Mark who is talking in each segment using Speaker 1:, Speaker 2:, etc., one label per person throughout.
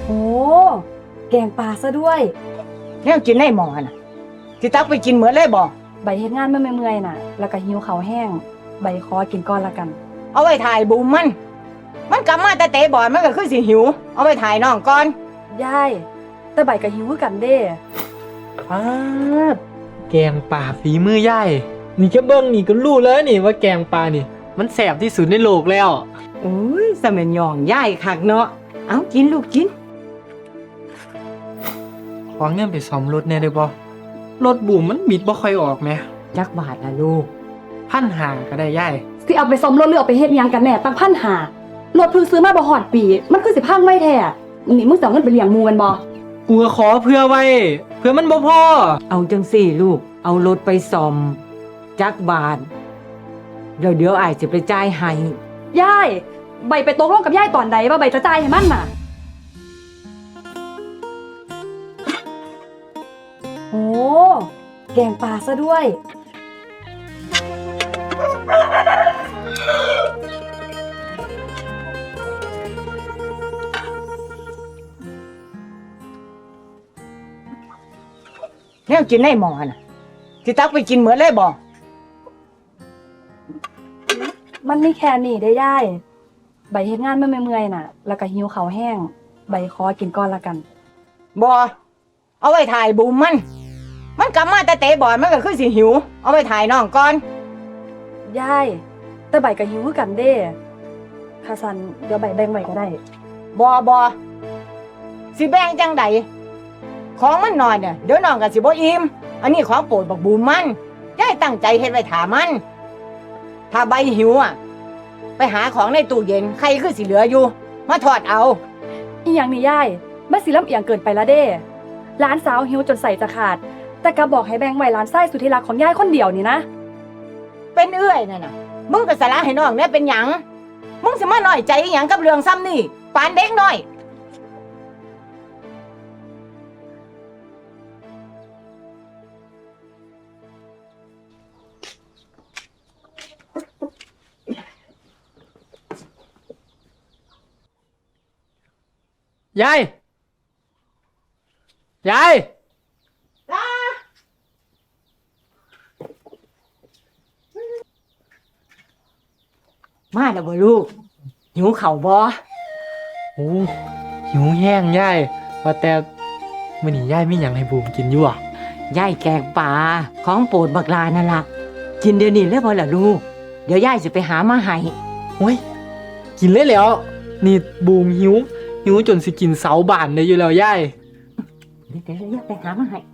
Speaker 1: โอ้แกงปลาซะด้วย
Speaker 2: แนวกินในหม้อน่ะสิตักไปกินเหมือนเลยบ่
Speaker 1: ใบเฮ็ดงานเมื่อยๆน่ะแล้วก็หิวข้าวแห้งใบขอกินก่อนละกัน
Speaker 2: เอาไว้ถ่ายบูมมันกลับมาแต่เตะบอลมันก็คือสิหิวเอาไว้ถ่ายน้องก่อน
Speaker 1: ยายแต่ใบก็หิวคือกันเด้
Speaker 3: ป๊าดแกงป่าฝีมือย่ายนี่แค่เบิ้งนี่ก็รู้แล้วนี่ว่าแกงปลานี่มันแสบที่สุดในโลกแล้ว
Speaker 2: โอ้ยสมัยย่องย่ายคักเนาะเอากินลูกกิน
Speaker 3: ขอเงินไปซ่อมรถแน่ได้บ่รถบุ๋มมันบิดบ่ค่อยออกแหม
Speaker 2: จักบาทละลูก
Speaker 3: 1,500ก็ได้ย่าย
Speaker 1: สิเอาไปซ่อมรถหรือเอาไปเฮ็ดหยังกันแน่ตั้ง1,500รถเพิ่งซื้อมาบ่ฮอดปีมันคือสิพังไว้แท้นี่มึงสิเอาเงินไปเลี้ยงหมู่กันบ่
Speaker 3: กูก็ขอเพื่อไว้เพื่อมันบ่พอ
Speaker 2: เอาจังสี่ลูกเอารถไปซ่อมจักบาทเดี๋ยวอ้ายสิไปจ่ายให้
Speaker 1: ยายใบไปตกลงกับยายตอนใดว่าใบจะจ่ายให้มันน่ะโอ้แกงปลาซะด้วย
Speaker 2: แนวกินในหม้อน่ะสิตักไปกินเหมือนเลยบ่
Speaker 1: มันมีแค่นี้ได้ยายใบเฮ็ดงานเมื่อยๆน่ะแล้วก็หิวข้าวแห้งใบขอกินก่อนละกัน
Speaker 2: บ่เอาไว้ถ่ายบูมมันกลับมาแต่เตะบอลมันก็คือสิหิวเอาไว้ถ่ายน้องก่อน
Speaker 1: ยายแต่ใบก็หิวคือกันเด้ถ้าซั่นเดี๋ยวใบแบ่งไว้ก็ได้
Speaker 2: บ่สิแบ่งจังใดของมันน้อยเนี่ยเดี๋ยวน้องก็สิบ่อิ่มอันนี้ของโปรดบักบูมมันยายตั้งใจเฮ็ดไว้ถามันถ้าใบหิวอ่ะไปหาของในตู้เย็นใครคือสิเหลืออยู่มาทอดเอา
Speaker 1: อีหยังนี่ยายมันสิลำเอียงเกินไปละเด้หลานสาวหิวจนใส่จะขาดแต่ก็บอกให้แบ่งไว้หลานชายสุดที่รักของยายคนเดียวนี่นะ
Speaker 2: เป็นเอื้อยนั่นน่ะมึงก็สละให้น้องเนี่ยเป็นหยังมึงสิมาน้อยใจอีหยังกับเรื่องซ้ำนี่ปานเด็กน้อย
Speaker 3: ยาย
Speaker 2: มาแล้วบ่ลูกหิวข้าวบ่
Speaker 3: โอ้หิวแห้งยายว่าแต่มื้อนี้ยายมีหยังให้บูมกินอยู่อ่ะ
Speaker 2: ยายแกงปลาของโปรดบักลานั่นล่ะกินเดี๋ยวนี้เลยบ่ล่ะลูกเดี๋ยวยายสิไปหามาให้
Speaker 3: โอ้ยกินเลยแล้วนี่บูมหิวจนสิกินเสาบ้านได้อยู่แล้วยาย
Speaker 2: เดี๋ยวยายไปหามาให้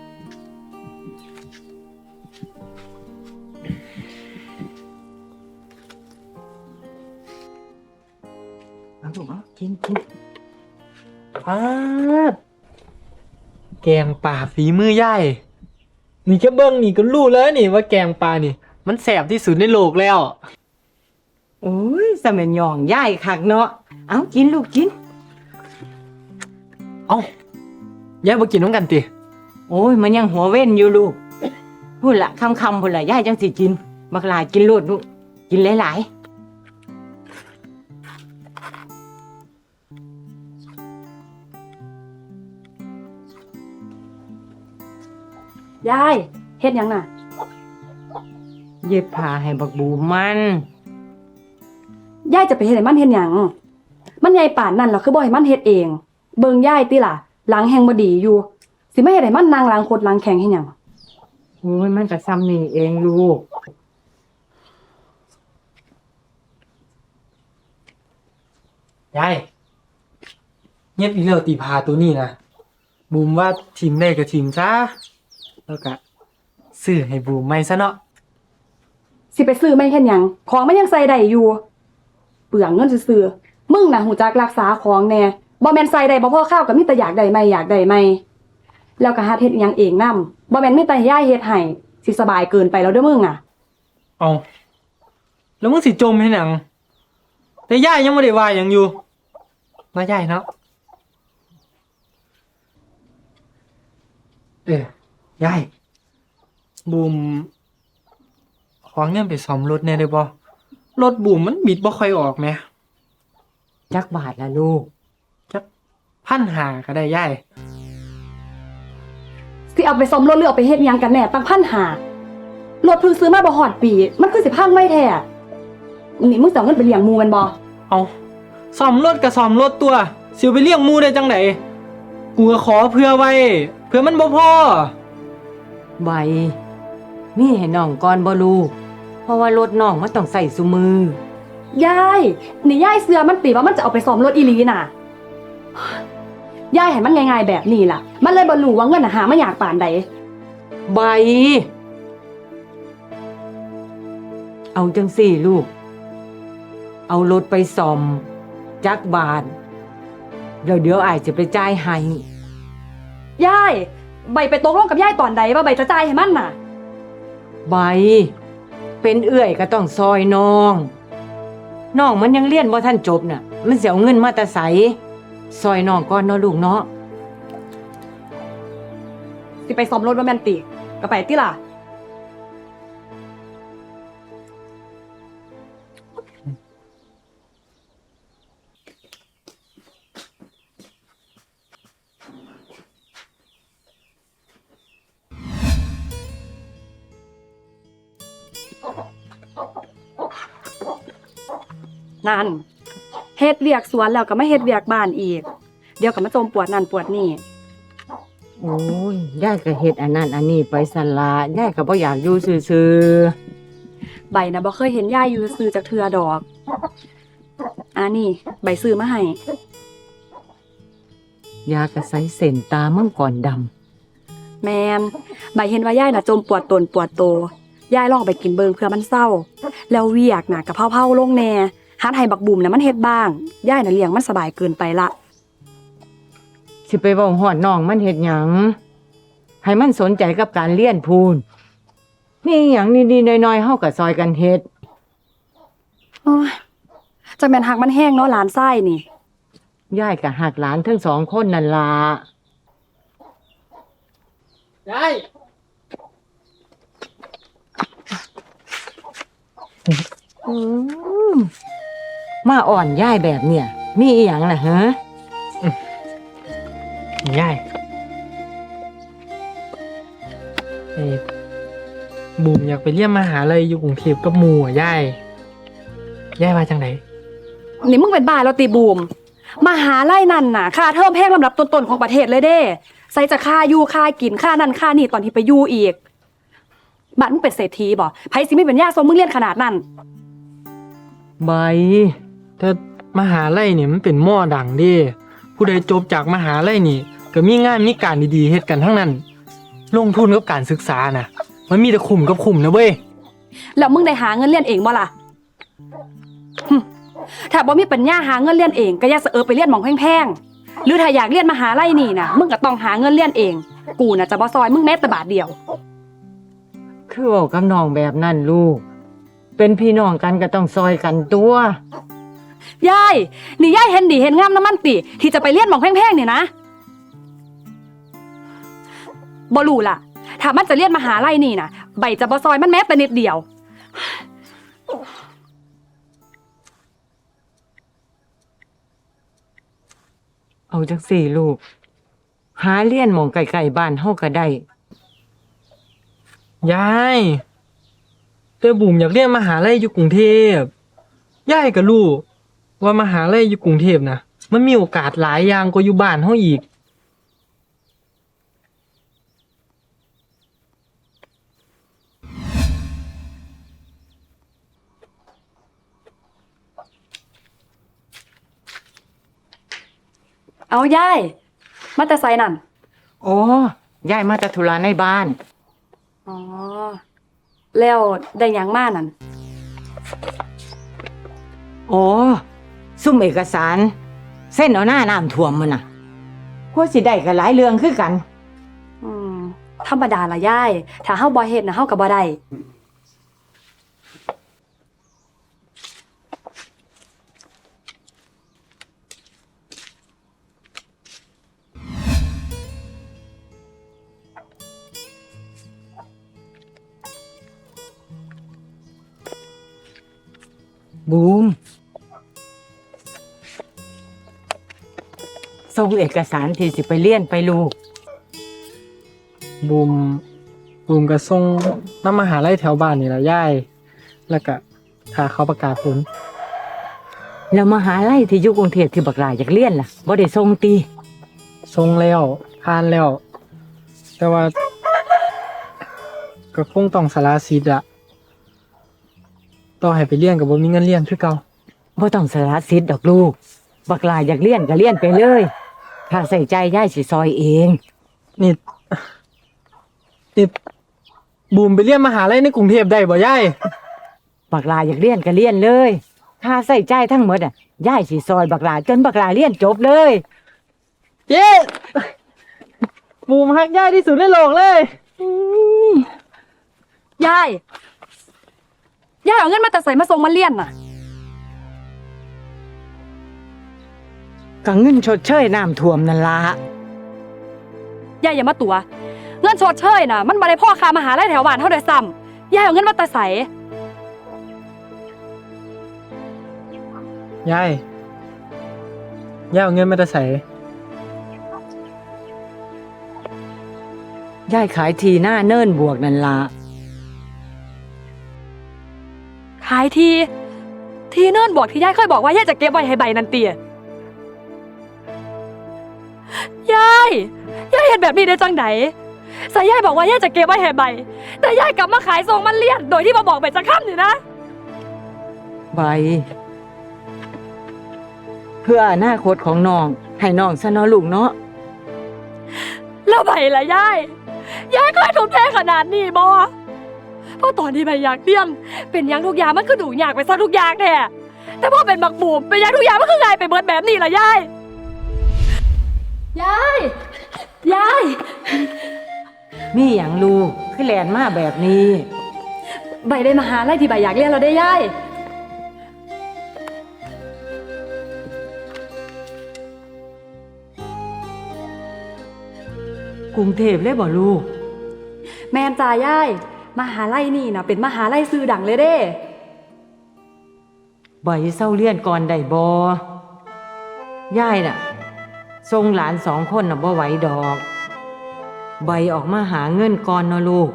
Speaker 2: เอาลูกเอากิน
Speaker 3: ป๊าดแกงป่าฝีมือย่ายนี่แค่เบิ้งนี่ก็รู้แล้วนี่ว่าแกงปลานี่มันแสบที่สุดในโลกแล้ว
Speaker 2: โอ้ยสมัยย่องยายคักเนาะเอากินลูกกิน
Speaker 3: เอ้า ยายบ่กินน้ำกันติ
Speaker 2: โอ้ยมันยังหัวเว้นอยู่ลูกพูดละคำพูดละยายจังสิกินบักหลายกินโลดลูกกินหลาย
Speaker 1: ยายเฮ็ดหยังน่ะ
Speaker 2: เย็บผ้าให้บักบูมัน
Speaker 1: ยายจะไปเฮ็ดให้มันเฮ็ดหยังมันใหญ่ป่านนั้นล่ะคือบ่ให้มันเฮ็ดเองเบิ่งยายติล่ะหลังแฮงบ่ดีอยู่สิมาเฮ็ดให้มันนั่งหลังคดหลังแข็งเฮ็ดหยัง
Speaker 2: โอ้ยมันก็ซ้ำนี่เองลูก
Speaker 3: ยายเงียบอีแล้วตีพาตัวนี้นะบูมว่าทีมได้กับทีมซะแล้วก็ซื้อให้บูมใหม่ซะเนาะ
Speaker 1: สิไปซื้อไม่เฮ็ดหยังของมันยังใส่ได้อยู่เปลืองเงินซื่อๆมึงน่ะหูจักรักษาของแน่บ่แม่นใส่ได้บ่พอข้าวก็มีแต่อยากได้ใหม่แล้วก็หัดเฮ็ดหยังเองนำบ่แม่นมีแต่ยายเฮ็ดให้สิสบายเกินไปแล้วเด้อมึงอ่ะ
Speaker 3: เอาแล้วมึงสิจมให้หยังแต่ยายยังบ่ได้ว่าหยังอยู่ว่ายายเนาะยายบูมขอเงินไปซ่อมรถแน่ได้บ่รถบูมมันบิดบ่ค่อยออกแหม
Speaker 2: จักบาทละลูก
Speaker 3: 1,500ก็ได้ยาย
Speaker 1: สิเอาไปซ่อมรถหรือเอาไปเฮ็ดหยังกันแน่ตั้ง1,500รถเพิ่งซื้อมาบ่ฮอดปี มันคือสิพังไว้แท้นี่มึงสิเอาเงินไปเลี้ยงหมู่แมันบ่
Speaker 3: เอาซ่อมรถก็ซ่อมรถตัวสิเอาไปเลี้ยงหมูได้จังไดกูก็ขอเพื่อไว้เพื่อมันบ่พอ
Speaker 2: ใบมีให้น้องก่อนบ่ลูกเพราะว่ารถน้องมันต้องใส่ซุมือย
Speaker 1: ายนี่ยายเสือมันติว่ามันจะเอาไปซ่อมรถอีหลีน่ะยายให้มันง่ายๆแบบนี้ล่ะ มันเลยบ่รู้ว่าเงินน่ะหามาอยากปานใด
Speaker 2: ใบ เอาจังสี่ลูก เอารถไปซ่อมจักบาทเดี๋ยวอ้ายจะไปจ่ายให้
Speaker 1: ยายใบไปตกลงกับยายตอนใดว่าใบจะจ่ายให้มันน่ะ
Speaker 2: ใบ เป็นเอื้อยก็ต้องซอยน้องน้องมันยังเรียนบ่ทันจบน่ะ มันสิเอาเงินมาแต่ไสซอยน้องก่อนเนาะลูกเนาะ
Speaker 1: สิไปซ่อมรถบ่แม่นติก็ไปติล่ะนั่นเฮ็ดเวียกสวนแล้วก็มาเฮ็ดเวียกบ้านอีก เดี๋ยวก็มาจมปวดนั่นปวดนี่
Speaker 2: โอ้ยยายก็เฮ็ดอันนั้นอันนี้ไปสั่นละยายก็บ่อยากอยู่ซื่อ
Speaker 1: ใบนะบ่เคยเห็นยายอยู่ซื้อจากเทือดอกอันนี้ใบซื้อมาให้
Speaker 2: ๆยากระใสเส้นตามังกรดำ
Speaker 1: แมนใบเห็นว่ายายน่ะจมปวดตนปวดโตยายลองไปกินเบิงเพื่อมันเศร้า แล้วเวียกน่ะกะเพราๆลงแน่หัดให้บักบุ่มน่ะมันเฮ็ดบ้างยายน่ะเลี้ยงมันสบายเกินไปละ
Speaker 2: สิไปเว้าฮอดน้องมันเฮ็ดหยังให้มันสนใจกับการเรียนพูนมีหยังนิดๆหน่อยๆเฮาก็ซอยกันเฮ็ด
Speaker 1: โอ้ยจักแม่นหักมันแห้งเนาะหลานไส้นี่
Speaker 2: ยายก็หักหลานทั้งสองคนนั่นล่ะ
Speaker 3: ยาย
Speaker 2: อืมมาอ่อนยายแบบเนี่ยมีอีหยังล่ะฮะ
Speaker 3: ยายเอ้บูมอยากไปเรียนมหาลัยอยู่กรุงเทพกับหมู่อ่ะยายว่าจังได
Speaker 1: นี่มึงเป็นบ้าแล้วตีบูมมหาลัยนั่นน่ะค่าเทอมแพงลำดับต้นๆของประเทศเลยเด้ใส่จะค่าอยู่ค่ากินค่านั่นค่านี่ตอนที่ไปอยู่อีกบ้านมึงเป็นเศรษฐีบ่ไผสิไม่เป็นญาติทรงมึงเรียนขนาดนั้น
Speaker 2: ใบ
Speaker 3: แต่มหาลัยนี่มันเป็นหม้อดังเด้ผู้ใดจบจากมหาลัยนี่ก็มีงานมีการดีๆเฮ็ดกันทั้งนั้น ลงทุนกับการศึกษาน่ะ มันมีแต่คุ้มกับคุ้มนะเว้ย
Speaker 1: แล้วมึงได้หาเงินเรียนเองบ่ล่ะหึถ้าบ่มีปัญญาหาเงินเรียนเองก็อย่าเสอะไปเรียนหม่องแพงๆหรือถ้าอยากเรียนมหาลัยนี่น่ะมึงก็ต้องหาเงินเรียนเอง กูน่ะจะบ่ซอยมึงแม้แต่บาทเดียว
Speaker 2: คือเว้ากับน้องแบบนั้นลูก เป็นพี่น้องกันก็ต้องซอยกันตัว
Speaker 1: ยายนี่ยายเห็นดีเห็นงามน้ำมันติที่จะไปเรียนหม่องแพงๆนี่นะบ่รู้ล่ะ ถ้ามันจะเรียนมหาลัยนี่น่ะใบจะบ่ซอยมันแม้แต่นิดเดียว
Speaker 2: เอาจังสี่ลูก หาเรียนหม่องไกลๆบ้านเฮาก็ได้
Speaker 3: ยายแต่บูมอยากเรียนมหาลัยอยู่กรุงเทพยายก็รู้ว่ามหาลัยอยู่กรุงเทพนะมันมีโอกาสหลายอย่างกว่าอยู่บ้านเฮาอีก
Speaker 1: เอายายมาแต่ไสนั่น
Speaker 2: โอ้ยายมาแต่ธุระในบ้าน
Speaker 1: อ๋อแล้วได้หยังมานั่น
Speaker 2: โอ้ซุ่มเอกสาร เส้นเอาหน้าน้ำท่วมมันน่ะกว่าสิได้ก็หลายเรื่องคือกัน
Speaker 1: อืมธรรมดาละยายถ้าเฮาบ่เฮ็ดน่ะเฮาก็บ่ได้
Speaker 2: บูม สส่งเอกสารที่สิไปเรียนไปลูก
Speaker 3: บูมก็ส่งน้ำมหาลัยแถวบ้านนี่ล่ะยายแล้วก็ถ้าเขาประกาศผล
Speaker 2: แล้วมหาลัยที่อยู่กรุงเทพที่บักหลายอยากเรียนล่ะบ่ได้ส่งติ
Speaker 3: ส่งแล้วผ่านแล้ว แต่ว่า ก็คงต้องสละสิทธิ์อะต่อให้ไปเรียนก็บ่มีเงินเรียนคือเก่า
Speaker 2: บ่ต้องสละสิทธิ์ดอกลูก บักหลายอยากเรียนก็เรียนไปเลยค่าใส่ใจยายสิซอยเอง
Speaker 3: นี่บูมไปเรียนมหาลัยในกรุงเทพได้บ่ยาย
Speaker 2: บักหลายอยากเรียนก็เรียนเลยค่าใส่ใจทั้งหมดอ่ะยายสิซอยบักหลายจนบักหลายเรียนจบเลย
Speaker 3: เย้บูมฮักยายที่สุดในโลกเลย
Speaker 1: ยายเอาเงินมาแต่ใส่มาส่งมาเรียนน่ะ
Speaker 2: ก็เงินชดเชยน้ำท่วมนั่นล่ะ
Speaker 1: ยายอย่ามาตัวเงินชดเชยน่ะมันบ่ได้พ่อค่ามหาลัยแถวบ้านเฮาได้ซ้ำยายเอาเงินมาแต่ใส่
Speaker 3: ยายเอาเงินมาแต่ไส
Speaker 2: ยายขายทีหน้าเนิ่นบวกนั่นล่ะ
Speaker 1: ขายทีเนิ่นบอกที่ยายเคยบอกว่ายายจะเก็บไว้ให้ใบนันเตียยายเห็นแบบนี้ได้จังไดสายยายบอกว่ายายจะเก็บไว้ให้ใบแต่ยายกลับมาขายส่งมันเลี่ยนโดยที่มาบอกใบจะค้ำนี่นะ
Speaker 2: ใบ เพื่ออนาคตของน้องให้น้องซะเนาะลูกเนาะ
Speaker 1: แล้วใบล่ะยายเคยทุ่มเทขนาดนี้บ่เพราะตอนที่ใบอยากเรียนเป็นหยังทุกอย่างมันคือดูอยากไปซะทุกอย่างแท้แต่พอเป็นบักบูมเป็นหยังทุกอย่างมันคือไงไปเบิดแบบนี้ล่ะยาย
Speaker 2: มีหยังลูกคือแลนมาแบบนี้
Speaker 1: ใบได้มหาลัยที่ใบอยากเรียนเราได้ยาย
Speaker 2: กรุงเทพเลยบ่ลูก
Speaker 1: แม่นจ่ายายมหาลัยนี่นะเป็นมหาลัยชื่อดังเลยเด้
Speaker 2: ใบเศร้าเรียนก่อนได้บ่ยายน่ะส่งหลาน2 คนน่ะบ่ไหวดอก ใบออกมาหาเงินก่อนเนาะลูก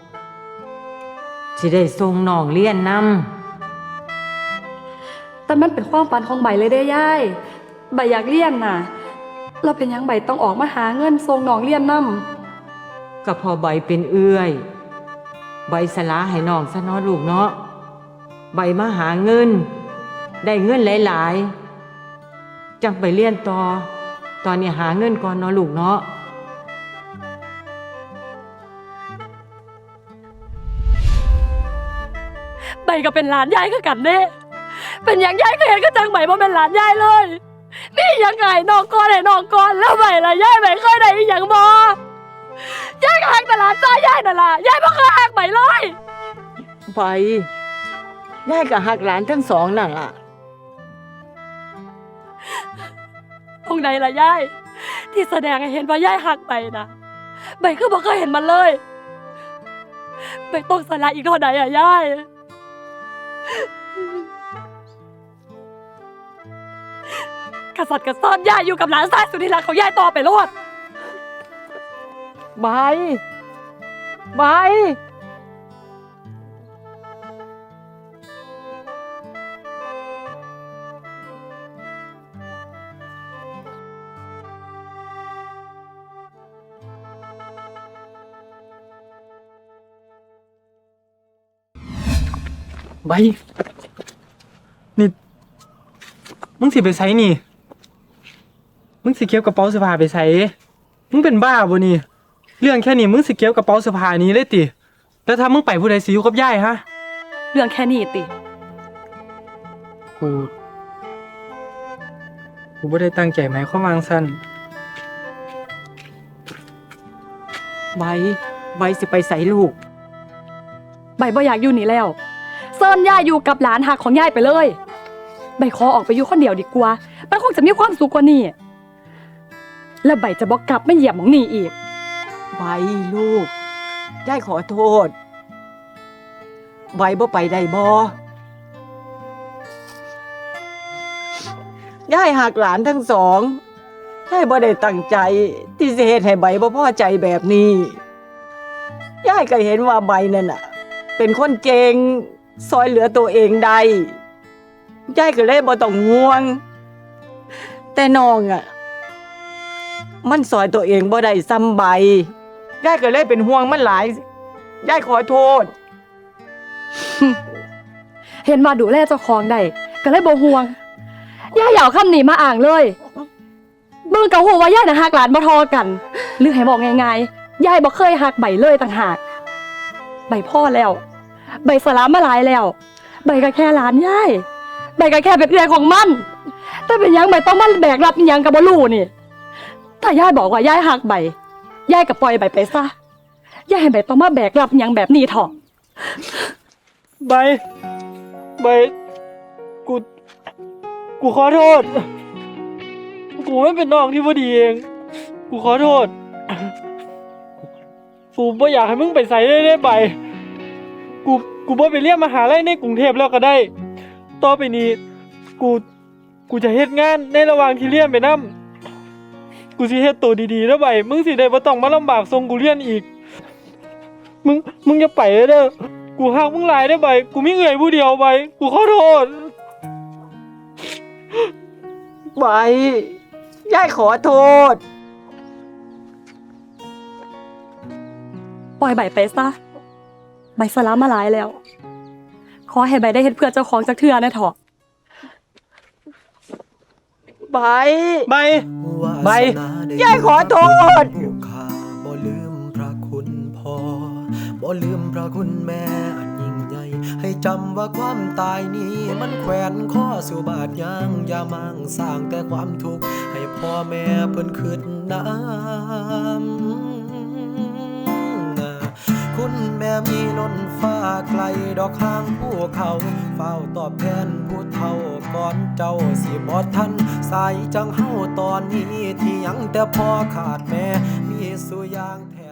Speaker 2: สิได้ส่งน้องเรียนนำ
Speaker 1: แต่มันเป็นความฝันของใบเลยเด้ยายใบอยากเรียนน่ะเราเป็นหยังใบต้องออกมาหาเงินส่งน้องเรียนนำ
Speaker 2: ก็พอใบเป็นเอื้อย ใบสละให้น้องซะเนาะลูกเนาะใบมาหาเงิน ได้เงินหลายๆจังไปเรียนต่อ ตอนนี้หาเงินก่อนเนาะลูกเนาะ
Speaker 1: ใบก็เป็นหลานยายคือกันเด้เป็นหยังยายก็เห็นก็จังใบบ่เป็นหลานยายเลยนี่ยังไงน้องก่อนให้น้องก่อนแล้วใบล่ะยายใบเคยได้อีหยังบ่ยายก็หักแต่หลานตายายนั่นล่ะยายบ่เคยหักใบเลย
Speaker 2: ใบยายก็หักหลานทั้ง2นั่นล่ะ
Speaker 1: ตรงไหนล่ะยายที่แสดงให้เห็นว่ายายหักใบนะใบคือบ่เคยเห็นมันเลยใบต้องสละอีกเท่าใดอะยายกษัตริย์กซ่อนยายอยู่กับหลานชายสุดที่รักของยายต่อไปโลด
Speaker 2: ใบ
Speaker 3: ใบนี่มึงสิไปไสนี่มึงสิเก็บกระเป๋าเสื้อผ้าไปไสมึงเป็นบ้าบ่นี่เรื่องแค่นี้มึงสิเก็บกระเป๋าเสื้อผ้านี้เลยติแล้วถ้ามึงไปผู้ใดสิอยู่กับยายฮะ
Speaker 1: เรื่องแค่นี้ติ
Speaker 3: กูบ่ได้ตั้งใจหมายความว่าจั่งซั่น
Speaker 2: ใบสิไปใส่ลูก
Speaker 1: ใบบ่อยากอยู่นี่แล้วเซินยายอยู่กับหลานหักของยายไปเลยใบขอออกไปอยู่คนเดียวดีกว่ามันคงจะมีความสุขกว่านี้แล้วใบจะบอกกลับไม่เหยียบหมองนี่อีก
Speaker 2: ใบลูกยายขอโทษ ใบบ่ไปได้บ่ยายหักหลานทั้ง2 ยายบ่ได้ตั้งใจที่สิเฮ็ดให้ใบบ่พอใจแบบนี้ยายก็เห็นว่าใบนั่นน่ะ เป็นคนเก่งซอยเหลือตัวเองได้ยายก็เลยบ่ต้องห่วง แต่น้องอ่ะ มันซอยตัวเองบ่ได้ซ้ำใบยายก็เลยเป็นห่วงมันหลายยายขอโทษ
Speaker 1: เห็นว่าดูแลเจ้าของได้ก็เลยบ่ห่วงย่าอย่าเอาคำนี้มาอ้างเลยเบิ่งก็ฮู้ว่าย่าน่ะฮักหลานบ่เทอกัน หรือให้บอกง่ายๆยายบ่เคยฮักใบเลยต่างหากใบพ่อแล้ว ใบสลามมาหลายแล้ว ใบก็แค่หลานยายใบก็แค่เป็นเอื้อยของมันแต่เป็นหยังใบต้องมาแบกรับอิหยังก็บ่รู้นี่ถ้ายายบอกว่ายายฮักใบยายก็ปล่อยใบไปซะอย่าให้ใบต้องมาแบกรับอิหยังแบบนี้เถอะ
Speaker 3: ใบกูขอโทษ กูไม่เป็นน้องที่บ่ดีเอง กูขอโทษ กูบ่อยากให้มึงไปใส่ได้ใบ กูบ่ไปเรียนมหาลัยในกรุงเทพแล้วก็ได้ ต่อไปนี้ กูจะเฮ็ดงานในระหว่างที่เรียนไปนำ กูสิเฮ็ดตัวดีๆแล้วใบ มึงสิได้บ่ต้องมาลำบากส่งกูเรียนอีก มึงอย่าไปเด้อ กูฮักมึงหลายได้อใบ กูมีเอื้อยผู้เดียวใบ กูขอโทษ
Speaker 2: ใบยายขอโทษ
Speaker 1: ปล่อยใบไปซะใบสลามมาหลายแล้ว ขอให้ใบได้เฮ็ดเพื่อเจ้าของจักเทื่อนะเถอะ
Speaker 2: ใบ
Speaker 3: ใบ
Speaker 2: ใบยายขอโทษ
Speaker 4: ผู้ข้าบ่ลืมพระคุณพ่อบ่ลืมพระคุณแม่อันยิ่งใหญ่ให้จำว่าความตายนี้มันแขวนข้อสู่บาดยางอย่ามั่งสร้างแต่ความทุกข์ให้พ่อแม่เพิ่นคิดน้ำคุณแม่มีล้นฟ้าไกลดอกข้างภูเขาเฝ้าตอบแทนผู้เฒ่าก่อนเจ้าสิบ่ทันสายจังเฮาตอนนี้ที่ยังแต่พ่อขาดแม่มีสุอย่างแท้